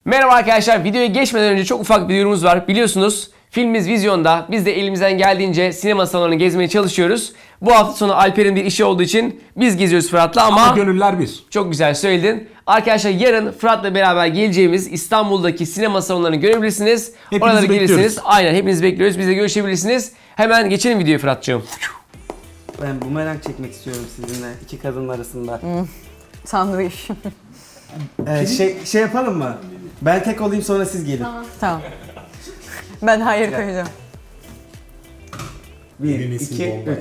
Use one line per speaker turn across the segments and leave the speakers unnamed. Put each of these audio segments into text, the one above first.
Merhaba arkadaşlar, videoya geçmeden önce çok ufak bir duyurumuz var. Biliyorsunuz filmimiz vizyonda. Biz de elimizden geldiğince sinema salonlarını gezmeye çalışıyoruz. Bu hafta sonu Alper'in bir işi olduğu için biz geziyoruz Fırat'la ama
gönüller bir.
Çok güzel söyledin. Arkadaşlar yarın Fırat'la beraber geleceğimiz İstanbul'daki sinema salonlarını görebilirsiniz.
Hepinizi
Oralara
bekliyoruz.
gelirsiniz. Aynen, hepinizi bekliyoruz. Bizle görüşebilirsiniz. Hemen geçelim videoya Fırat'cığım.
Ben bumerang çekmek istiyorum sizinle iki kadın arasında.
Sandviç.
Şey yapalım mı? Ben tek olayım sonra siz gelin.
Tamam. Ben hayır koyacağım.
1, 2, 3.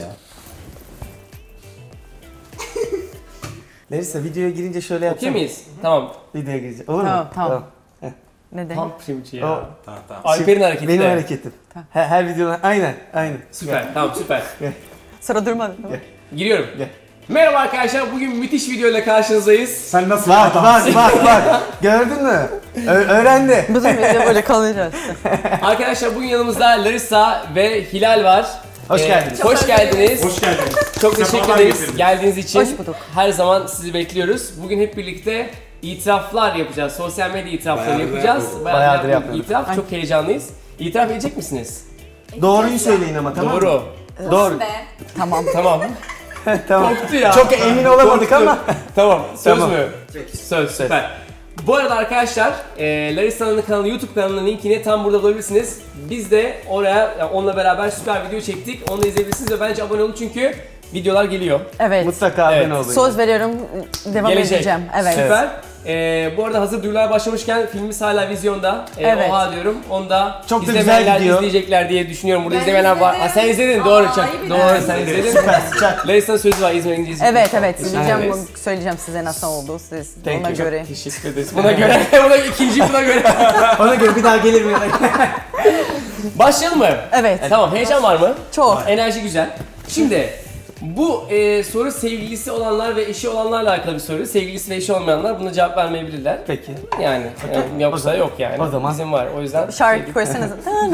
Larissa videoya girince şöyle yapsana.
Okey miyiz? Tamam.
Videoya girince. Olur
Tamam,
mu?
tamam. Ne demek?
Tam primçi ya.
O,
Alper'in hareketi
benim
de.
hareketim. Her videoda aynen.
Süper, tamam süper.
Sıra durmadı.
Giriyorum.
Gel.
Merhaba arkadaşlar, bugün müthiş videoyla karşınızdayız.
Sen nasıl
Bak. Gördün mü? Öğrendi.
Bütün video böyle kalacağız.
Arkadaşlar bugün yanımızda Larissa ve Hilal var.
Hoş geldiniz.
Hoş geldiniz.
Hoş geldiniz.
Çok teşekkür
Sefalar
ederiz
getirdiniz.
geldiğiniz için.
Hoş bulduk.
Her zaman sizi bekliyoruz. Bugün hep birlikte itiraflar yapacağız. Sosyal medya itirafları
Bayağıdır
yapacağız.
Bayağıdır
yapmadık
yapmıyorduk.
itiraf. Çok heyecanlıyız. İtiraf edecek misiniz?
Doğruyu söyleyin ama tamam mı?
Doğru.
Doğru.
Tamam.
Tamam.
Tamam.
Korktu ya.
Çok emin olamadık
Korktu.
ama.
Tamam. Söz
Tamam.
mü? Söz. Süper. Bu arada arkadaşlar, Larissa'nın kanalı, YouTube kanalının linkini tam burada bulabilirsiniz. Biz de oraya onunla beraber süper video çektik. Onu da izleyebilirsiniz ve bence abone olun çünkü videolar geliyor.
Evet.
Mutlaka
Evet.
abone olun.
Söz veriyorum, devam edeceğim. Evet.
Süper. Bu arada hazır duyurular başlamışken filmimiz hala vizyonda.
Evet.
Oha diyorum. Onu da
Çok da güzel
izlemeyenler
gidiyor.
izleyecekler diye düşünüyorum. Burada
Ben
izlemeyenler var.
izledim.
Ha, sen izledin.
Aa,
Doğru.
iyi
Doğru,
bildin.
sen izledin.
Süper sıcak.
Larissa'nın sözü var. İzmir'e gideceğiz.
Evet, söyleyeceğim,
Evet.
söyleyeceğim size nasıl oldu siz
Thank
ona
you.
göre.
Teşekkür ederiz. Buna göre. buna göre.
Ona göre bir daha gelir mi?
Başlayalım mı?
Evet.
Tamam. Heyecan var mı?
Çok.
Enerji güzel. Şimdi bu soru sevgilisi olanlar ve eşi olanlarla alakalı bir soru. Sevgilisi ve eşi olmayanlar buna cevap vermeyebilirler.
Peki.
Yani yoksa yok yani.
o zaman-
Bizim var. O yüzden
Şarkı koysanız.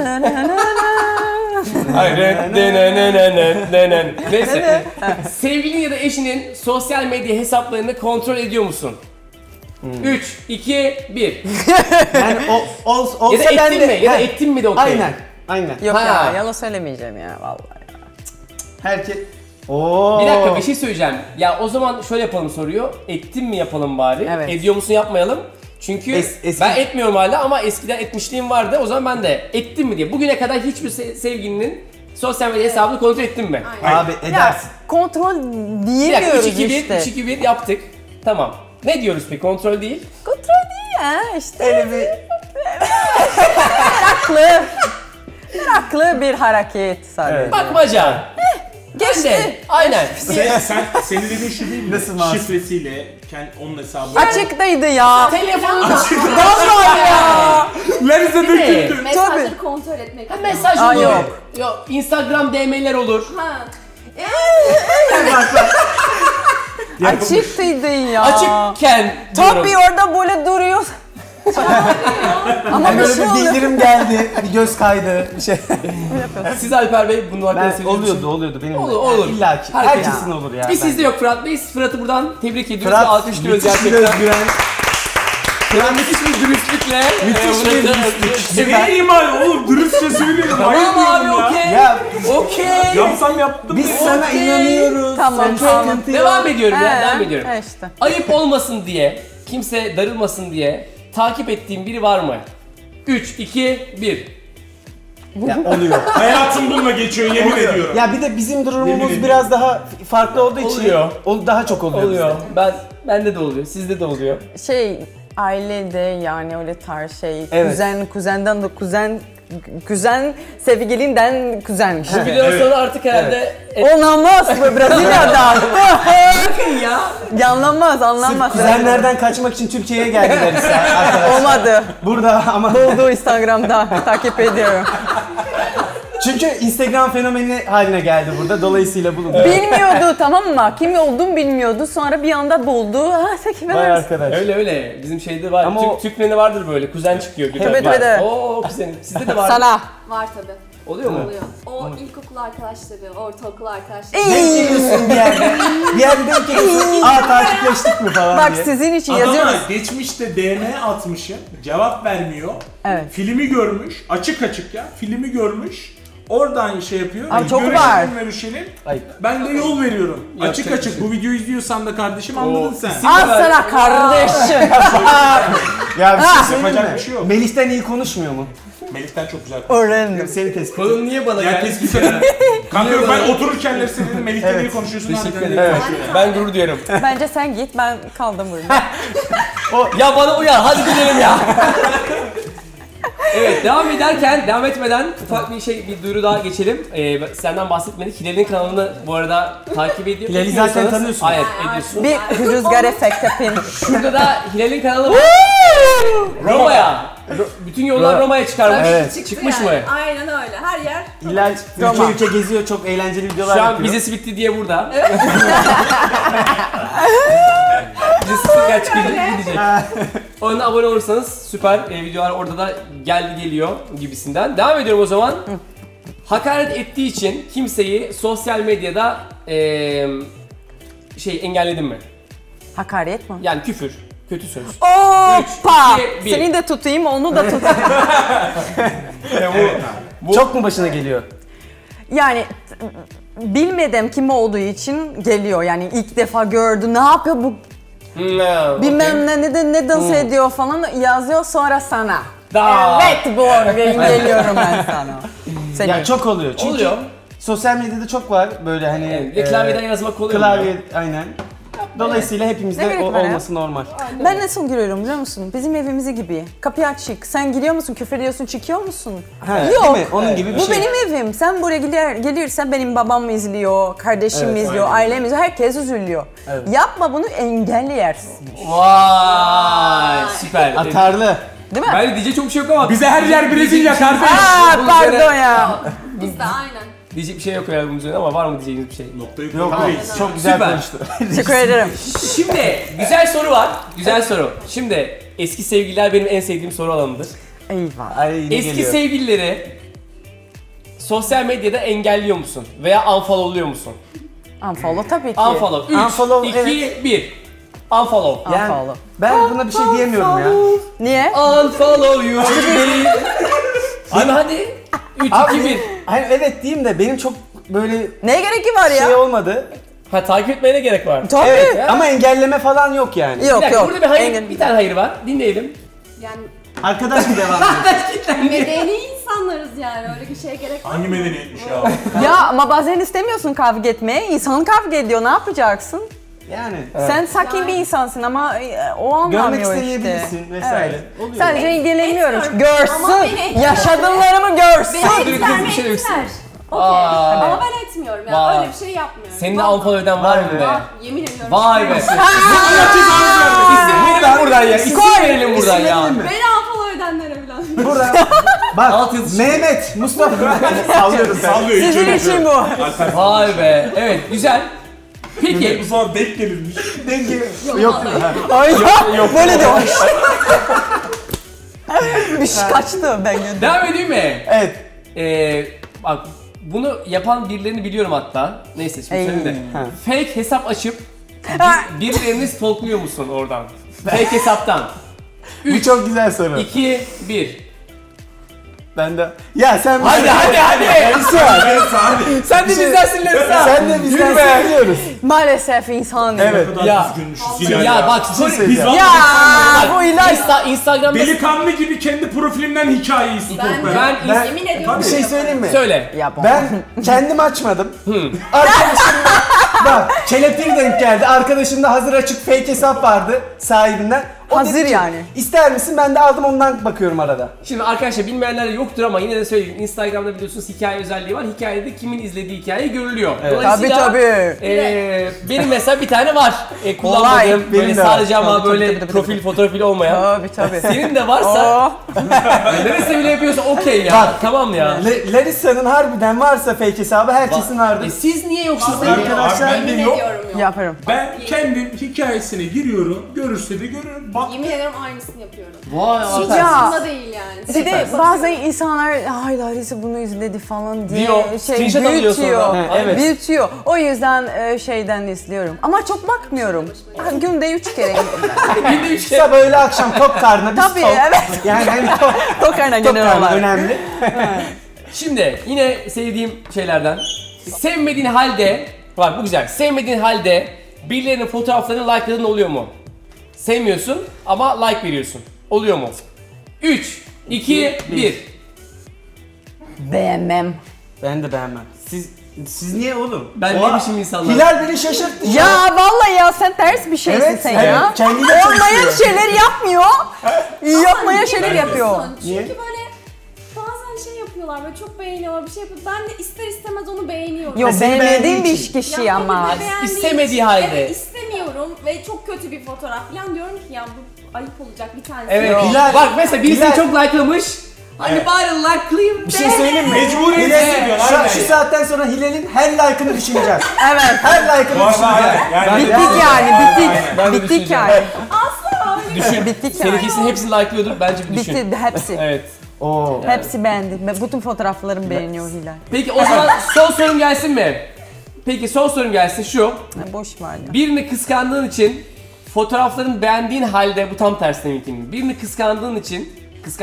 Hayır. Neyse. Sevgilin ya da eşinin sosyal medya hesaplarını kontrol ediyor musun? 3, 2, 1.
Yani olsa
Ya da
ben
ettin
de.
mi? Ya da
He,
ettin mi de okey.
Aynen.
Yok
Ha.
ya, yalan söylemeyeceğim ya vallahi.
Herkes. Oo.
Bir dakika, bir şey söyleyeceğim. Ya o zaman şöyle yapalım soruyor. Ettin mi yapalım bari.
Evet.
Ediyor musun yapmayalım. Çünkü
Eski-
ben etmiyorum hala ama eskiden etmişliğim vardı. O zaman ben de ettim mi diye. Bugüne kadar hiçbir sevgilinin sosyal medya hesabını kontrol ettin mi?
Abi
Ya
edersin.
kontrol
Bir dakika,
diyemiyoruz
3-2-1,
işte.
3-2-1 yaptık. Tamam. Ne diyoruz peki? Kontrol değil.
Kontrol değil ya işte.
Öyle bir
Meraklı bir hareket sadece.
Evet.
Bakmaca.
Geçti.
Aynen.
Senin dediğin şu değil mi?
Nasıl masum?
Şifresiyle onun hesabı.
Açıktaydı ya.
Telefonu
Vallahi ya.
Larissa
Ne?
Mesajları kontrol etmek.
Mesaj
Aa,
olur.
yok.
Yok. Instagram DM'ler olur.
Ha.
Açıktıydı ya.
Açıkken diyorum.
Tabii orada böyle duruyor. Ama bir
böyle
şey
bir
oluyor.
bildirim geldi, bir göz kaydı, bir şey.
Siz Alper Bey bunun hakkında
Ben
söyleyeceksiniz.
oluyordu benim. de.
Olur.
İlla ki.
Herkes-
Herkesin olur ya.
Bir sizde yok Fırat Bey. Fırat'ı buradan tebrik ediyoruz ve
Fırat
alkışlıyoruz
müthiş bir
gerçekten.
özgüven.
Fırat müthiş bir dürüstlükle.
Müthiş bir dürüstlük.
Ne iman oğlum dürüstçe söylüyorum.
Tamam abi, okey.
Ya
Okey.
Yapsam yaptım.
biz sana
Okey.
inanıyoruz.
Tamam,
Sen
tamam.
sıkıntı yok.
Devam ediyorum ya, devam ediyorum.
İşte.
Ayıp olmasın diye, kimse darılmasın diye takip ettiğim biri var mı? 3, 2, 1.
Ya oluyor.
Hayatım bununla geçiyor yemin ediyorum.
Ya bir de bizim
Yemin
durumumuz
ediyorum.
biraz daha farklı olduğu için
Oluyor.
daha çok oluyor.
Oluyor.
bizde.
Bende de oluyor, sizde de oluyor.
Ailede yani öyle tarz şey.
Evet.
Kuzenden de kuzen sevgilinden kuzen.
Bu videodan sonra artık herhalde
Olamaz bu Brezilya'da.
bakın ya.
Anlamaz.
Sırf kuzenlerden kaçmak için Türkiye'ye geldiler ise arkadaşlar.
Olmadı.
Burada ama
Buldu Instagram'da. Takip ediyorum.
çünkü Instagram fenomeni haline geldi burada. Dolayısıyla bulundu.
Bilmiyordu, tamam mı? Kim olduğumu bilmiyordu. Sonra bir anda buldu. Takip
Vay
edersin.
arkadaş.
Öyle. Bizim şeyde var.
Ama o-
Türkmen'de vardır böyle. Kuzen çıkıyor.
Evet, evet.
Oo kuzenim. Sizde de var.
Sana.
Var tabi.
Oluyor mu?
Oluyor. O ilkokul arkadaşları, ortaokul arkadaşları.
Denk geliyorsun bir yerde. Bir yerde denk geliyorsun. Takipleştik mi falan
Bak
diye.
sizin için
Adama
yazıyoruz.
geçmişte DM atmışım, cevap vermiyor.
Evet.
Filmi görmüş, açık ya, filmi görmüş. Oradan şey yapıyor.
Ay, çok var.
Görüşelim.
Ayıp.
Ben de yol veriyorum.
Yapacak
Açık.
bir şey.
Bu videoyu izliyorsan da kardeşim anladın sen.
Al sana kardeşim.
Ya bir şey
Yapacak
söyleyeyim mi?
bir şey yok.
Melih'ten iyi konuşmuyor mu?
Melih'ten çok güzel konuşuyor.
Öğrendim.
Seni tespit
Konu niye bana
Ya
geldi?
tespit ederim. Kanka yok, ben otururken de dedim Melih'ten iyi konuşuyorsun.
Teşekkür
harbiden
ederim.
iyi konuşuyor.
Ben gurur duyuyorum.
Bence sen git, ben kaldım burada.
Ya bana uyar, hadi gidelim ya. Evet, devam etmeden ufak bir duyuru daha geçelim. Senden bahsetmedik. Hilal'in kanalını bu arada takip ediyor.
Hilal'i zaten
Etmiyorsanız-
tanıyorsun.
Evet, ediyorsun.
Bir rüzgar efekt yapayım.
Şurada da Hilal'in kanalı var. Roma'ya. Bütün yollar Roma'ya çıkarmış.
Evet.
Çıktı
Çıkmış
yani.
mı?
Aynen öyle. Her yer.
Hilal
Roma.
ülke geziyor, çok eğlenceli videolar
Şu an
yapıyor.
vizesi bitti diye burada. Vizesi tekrar çıkacak, gidecek. Ona abone olursanız süper videolar orada da geldi geliyor gibisinden. Devam ediyorum o zaman. Hakaret ettiği için kimseyi sosyal medyada engelledin mi?
Hakaret mi?
Yani küfür, kötü söz.
Hoppa!
3, 2, 1.
Seni de tutayım, onu da tutayım.
Çok mu başına geliyor?
Yani bilmedim kim olduğu için geliyor. Yani ilk defa gördü, ne yapıyor bu bilmem ne dans ediyor falan yazıyor, sonra sana. Evet bu geliyorum ben sana. Seni.
Ya çok oluyor. Çünkü
Oluyor.
sosyal medyada çok var böyle hani...
Ve klavyeden yazmak kolay
Klavye,
oluyor.
aynen. Dolayısıyla
Ne
hepimizde
gerek var ya?
olması normal.
Ben nasıl giriyorum biliyor musun? Bizim evimizi gibi. Kapı açık. Sen giriyor musun, küfür ediyorsun, çıkıyor musun?
Ha,
Yok.
değil mi? Onun gibi bir
Bu
şey.
benim evim. Sen buraya gelirsen benim babam izliyor, kardeşim izliyor, ailem izliyor, herkes üzülüyor.
Evet.
Yapma bunu, engelleyersin.
Vay süper.
Atarlı.
Değil mi?
Ben diyecek çok bir şey yok ama.
Bize her yer Brezilya kardeş.
Aa pardon ya.
Biz de aynen.
Diyecek bir şey yok herhalde bunun üzerine ama var mı diyeceğiniz bir şey?
Noktayı
Yok,
koymalıyız.
çok güzel
Süper.
konuştu.
Teşekkür ederim.
Şimdi güzel soru var. Güzel soru. Şimdi eski sevgililer benim en sevdiğim soru alanıdır.
Eyvah.
Ay, yine
Eski
geliyor.
sevgilileri sosyal medyada engelliyor musun? Veya unfollow'luyor musun?
Unfollow tabii ki.
Unfollow. 3,
Unfollow,
2, 1. Unfollow.
Yani
Unfollow.
ben buna bir şey diyemiyorum ya.
Niye?
Unfollow you. hadi. 3,
Abi,
2, 1.
hani evet diyeyim de benim çok böyle
Neye gerek var ya?
şey olmadı.
Ha takip etmeye ne gerek var?
Tabii.
Evet ama engelleme falan yok yani.
Yok
Bir dakika,
yok.
burada bir hayır,
Engel-
bir tane hayır var. Dinleyelim.
Yani
Arkadaş mı devam ediyor?
medeni insanlarız yani. Öyle bir şeye gerek var.
Hangi medeniyetmiş ya?
Ya ama bazen istemiyorsun kavga etmeye. İnsan kavga ediyor, ne yapacaksın?
Yani.
Sen sakin bir insansın ama o
Görmek
anlamıyor işte.
istemeyebilirsin vesaire. Oluyor.
Sadece ilgilenmiyorum.
Etmiyorum. Ama
Görsün.
beni-
Yaşadıklarımı görsün.
Beni
Dur,
etkiler
kız bir şey
mi?
demişsin.
Etkiler. Okey.
Aa.
Ama ben etmiyorum ya.
Vay.
Öyle bir şey yapmıyorum.
Senin de
Vallahi.
unfollow eden var mı be?
Var, yemin ediyorum.
Vay be.
Ben
İsim verelim buradan ya. İsim verelim buradan ya.
verelim mi?
Beni unfollow edenlere falan.
Burada bak
Alt yazı-
Mehmet, Mustafa sallıyoruz.
Sallıyor hiç
Sizin
öyle
için
şey.
bu.
Alper.
Vay be. Evet güzel. Peki.
Bu zaman denk gelirmiş.
Denge yok.
Ay yok. Böyle de var. Bir şey kaçtı ben gönderdim.
Devam edeyim mi?
Evet.
Bak bunu yapan birilerini biliyorum hatta. Neyse şimdi söyleyeyim de.
Ha.
Fake hesap açıp
Ha.
birilerini stalkluyor musun oradan? Fake hesaptan.
Bu çok güzel soru.
2, 1.
Ben de. Ya sen
Hadi.
Larissa.
Sen de bizdensin Larissa.
Sen de bizden
Yürü be.
seviyoruz.
Maalesef insan.
Evet.
Ne kadar
Ya.
düzgünmüşüz
Ya bak
şey
sorry.
söyleyeceğim.
Biz
Ya
vallahi
bu ilaç.
Instagram'da
delikanlı gibi kendi profilimden hikayeyi stalklarım.
ben
Yemin ediyorum.
Bir şey söyleyeyim mi?
söyle.
Ya bu.
Ben kendim açmadım. Arkadaşım bak kelepiri denk geldi. Arkadaşımda hazır açık fake hesap vardı sahibinden. O
Hazır
dedi ki,
yani.
İster misin? Ben de aldım ondan bakıyorum arada.
Şimdi arkadaşlar bilmeyenler yoktur ama yine de söyleyeyim. Instagram'da biliyorsunuz hikaye özelliği var. Hikayede kimin izlediği hikaye görülüyor.
Evet.
Tabii.
Benim mesela bir tane var. Kullanmadığım
Benim
böyle
de var.
sadece ama
Tabii,
böyle
tabii.
profil fotoğrafıyla olmayan.
Tabii.
Senin de varsa
Oh.
neresi bile yapıyorsa okey ya.
Bak.
Tamam ya.
Larissa'nın harbiden varsa fake hesabı herkesin vardır.
Siz niye yoksunuz?
Vallahi
Arkadaşlar,
yemin
yok.
ediyorum yok.
Yaparım.
Ben kendim hikayesine giriyorum, görürse de görürüm. Bak
Yemin ederim aynısını yapıyorum.
Vay
Hiç
Alper.
Ya.
aslında değil yani. yani.
Bir de bazen insanlar ay Larissa bunu izledi falan diye
Diyor, screenshot alıyor sonra.
Evet.
büyütüyor. O yüzden şeyden izliyorum. Ama çok bakmıyorum. Günde 3 kere.
Bir de 3 kere.
Sabah öğle akşam tok karnına biz
Tabii
tok.
evet.
Yani hani tok,
Tok karnına
tok
genel
karnı
olarak.
önemli.
Şimdi yine sevdiğim şeylerden. Sevmediğin halde, bak bu güzel. Sevmediğin halde birilerinin fotoğraflarını like'ladığın oluyor mu? Sevmiyorsun ama like veriyorsun. Oluyor mu? 3, 2, 1.
Beğenmem.
Ben de beğenmem. Siz niye oğlum?
Ben
Oha,
ne biçim insanlar?
Hilal beni şaşırttı.
Ya vallahi ya sen ters bir şeysin
Evet,
sen
evet,
ya.
kendiyle
Olmayan
çalışıyor.
şeyler yapmıyor. Yapmayan şeyler yapıyor.
Çünkü
Niye?
böyle bazen şey yapıyorlar böyle çok beğeniyorlar bir şey yapıyor. Ben de ister istemez onu beğeniyorum.
Yok
seni
beğenmediğin
beğendiği
bir
için.
kişi
Ya,
ama.
o bir de beğendiği
İstemediği
için,
halde.
Evet istemiyorum ve çok kötü bir fotoğraf falan diyorum ki ya bu ayıp olacak bir tanesi.
Evet.
yok.
Hilal-
Bak mesela birisi
Hilal-
çok like'lamış. Hani bari like'layayım
Bir şey söyleyeyim mi?
Mecburiyet
Hilal-
hissediyorlar,
şu,
aynen.
şu saatten sonra Hilal'in her like'ını düşüneceğiz.
Evet.
Her like'ını
Bu arada
düşüneceğiz.
aynen. Yani
Bittik yani bittik.
Ben de
Bittik
düşüneceğim.
yani.
Düşün.
Bittik yani.
Seninkisinin hepsini like'lıyordur. Bence bir düşün.
Bitti hepsi.
Evet.
Oo.
Hepsi beğendi. Bütün fotoğraflarımı beğeniyor Hilal.
Peki o zaman son sorum gelsin mi? Peki son sorum gelsin şu.
Ha, boş ver ya.
Birini kıskandığın için fotoğraflarını beğendiğin halde bu tam tersine mümkün. Birini kıskandığın için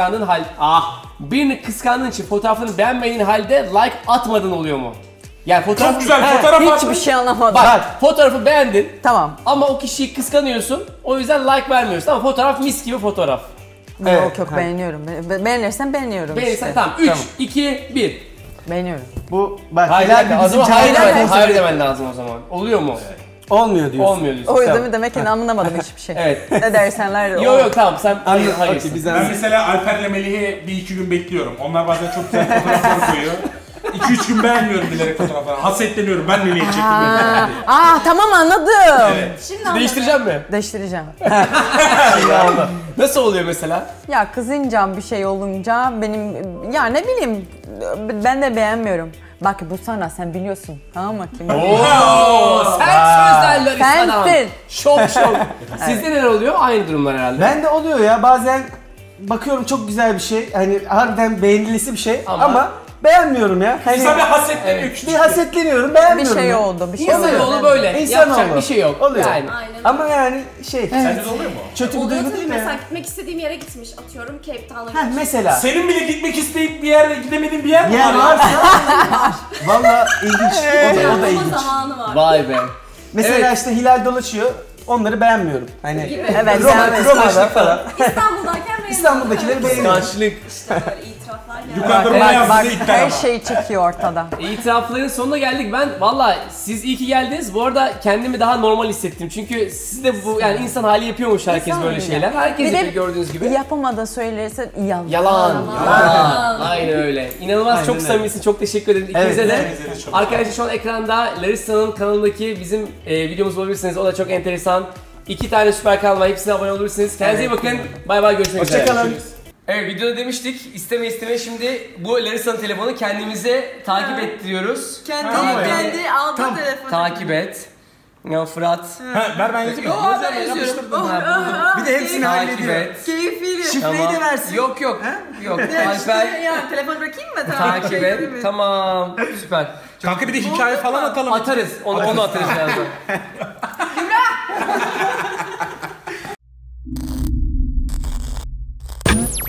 birini kıskandığın için fotoğraflarını beğenmediğin halde like atmadın oluyor mu? Yani fotoğraf
çok güzel fotoğraf
Hiçbir
attın.
şey anlamadım.
Bak fotoğrafı beğendin
Tamam.
ama o kişiyi kıskanıyorsun. O yüzden like vermiyorsun ama fotoğraf mis gibi fotoğraf.
Evet,
Yok yok
ha.
beğeniyorum. Beğenirsen beğeniyorum
Beğenirsen
işte.
tamam. 3,
Tamam.
2, 1.
Beğeniyorum.
Bu bak
Hayır,
Hilal
hayır,
bir
o
bizim
zaman hayır
cahil
demen, hayır
konsept-
demen lazım o zaman. Oluyor mu?
Olmuyor diyorsun.
Olmuyor diyorsun.
O yüzden
Tamam.
demek ki anlamadım hiçbir şey.
Evet.
Ne dersenler o.
Yok tamam sen
Anladım.
hayır.
Okey, biz
Ben
anladık.
mesela Alper'le Melih'i 1-2 gün bekliyorum. Onlar bazen çok güzel fotoğraflar koyuyor. 2-3 gün beğenmiyorum bilerek fotoğrafları. Hasetleniyorum. Ben Melih'e çektim.
Tamam anladım.
Şimdi anladım.
Değiştireceğim mi?
Değiştireceğim.
Nasıl oluyor mesela?
Ya kızınca bir şey olunca benim ya ne bileyim ben de beğenmiyorum. Bak bu sana sen biliyorsun. Tamam mı? Kim?
Oo, sen sözlerler sana.
Sensin.
Şok. Sizde neler oluyor? Aynı durumlar herhalde.
Ben de oluyor ya bazen bakıyorum çok güzel bir şey. Hani harbiden beğenilisi bir şey ama beğenmiyorum ya. Hani
Kısa bir hasetleniyor.
bir hasetleniyorum
Bir
beğenmiyorum.
şey
ya.
oldu. Bir şey oldu.
İnsanoğlu böyle.
İnsanoğlu.
Yapacak bir şey yok.
Oluyor.
Yani.
Aynen öyle.
Ama yani şey
Sende de oluyor mu?
kötü bir
Oluyor
duygu
tabii
değil mi?
mesela gitmek istediğim yere gitmiş atıyorum Cape Town'a
Heh,
gitmiş.
mesela
Senin bile gitmek isteyip bir yerde gidemediğin bir yer mi
yer
var?
varsa valla ilginç. O da
Ama
ilginç.
zamanı var.
Vay be.
Mesela
Evet.
işte Hilal dolaşıyor. Onları beğenmiyorum. Hani
Gibi.
Evet,
Roma'da
beğenmiyorum.
falan.
İstanbul'dayken beğendim.
İstanbul'dakileri beğeniyorum.
Kıskançlık.
İşte böyle itiraflar geldi.
Yukarıda
Evet,
bayağı
Bak
size iddia
her
var.
şey çıkıyor ortada.
İtirafların sonuna geldik. Ben valla siz iyi ki geldiniz. Bu arada kendimi daha normal hissettim. Çünkü siz de bu yani insan hali yapıyormuş herkes
İnsan
böyle
hali.
şeyler. Herkes
Bir de
yapıyor gördüğünüz gibi.
Yapamadan söylersen yalan.
Yalan. Aynen öyle. İnanılmaz çok
öyle.
samimisin. Çok teşekkür ederim ikinize
Evet,
de.
evet, çok
Arkadaşlar şu an ekranda Larissa'nın kanalındaki bizim videomuz bulabilirsiniz. O da çok enteresan. 2 tane süper kanal var. Hepsine abone olabilirsiniz. Kendinize iyi bakın. Bay bay, görüşmek üzere.
Hoşçakalın.
Evet, videoda demiştik isteme şimdi bu Larissa'nın telefonu kendimize takip ettiriyoruz.
Kendi aldı telefonu.
Takip et. Ya Fırat.
Ver ben yazayım.
Bir de hepsini
Takip
hallediyor.
et.
Keyifli.
Şifreyi de versin.
Yok. Yok. Alper
Ya telefon bırakayım mı?
takip et. Tamam. Süper.
Kanka bir de hikaye falan atalım.
Atarız. Onu atarız birazdan.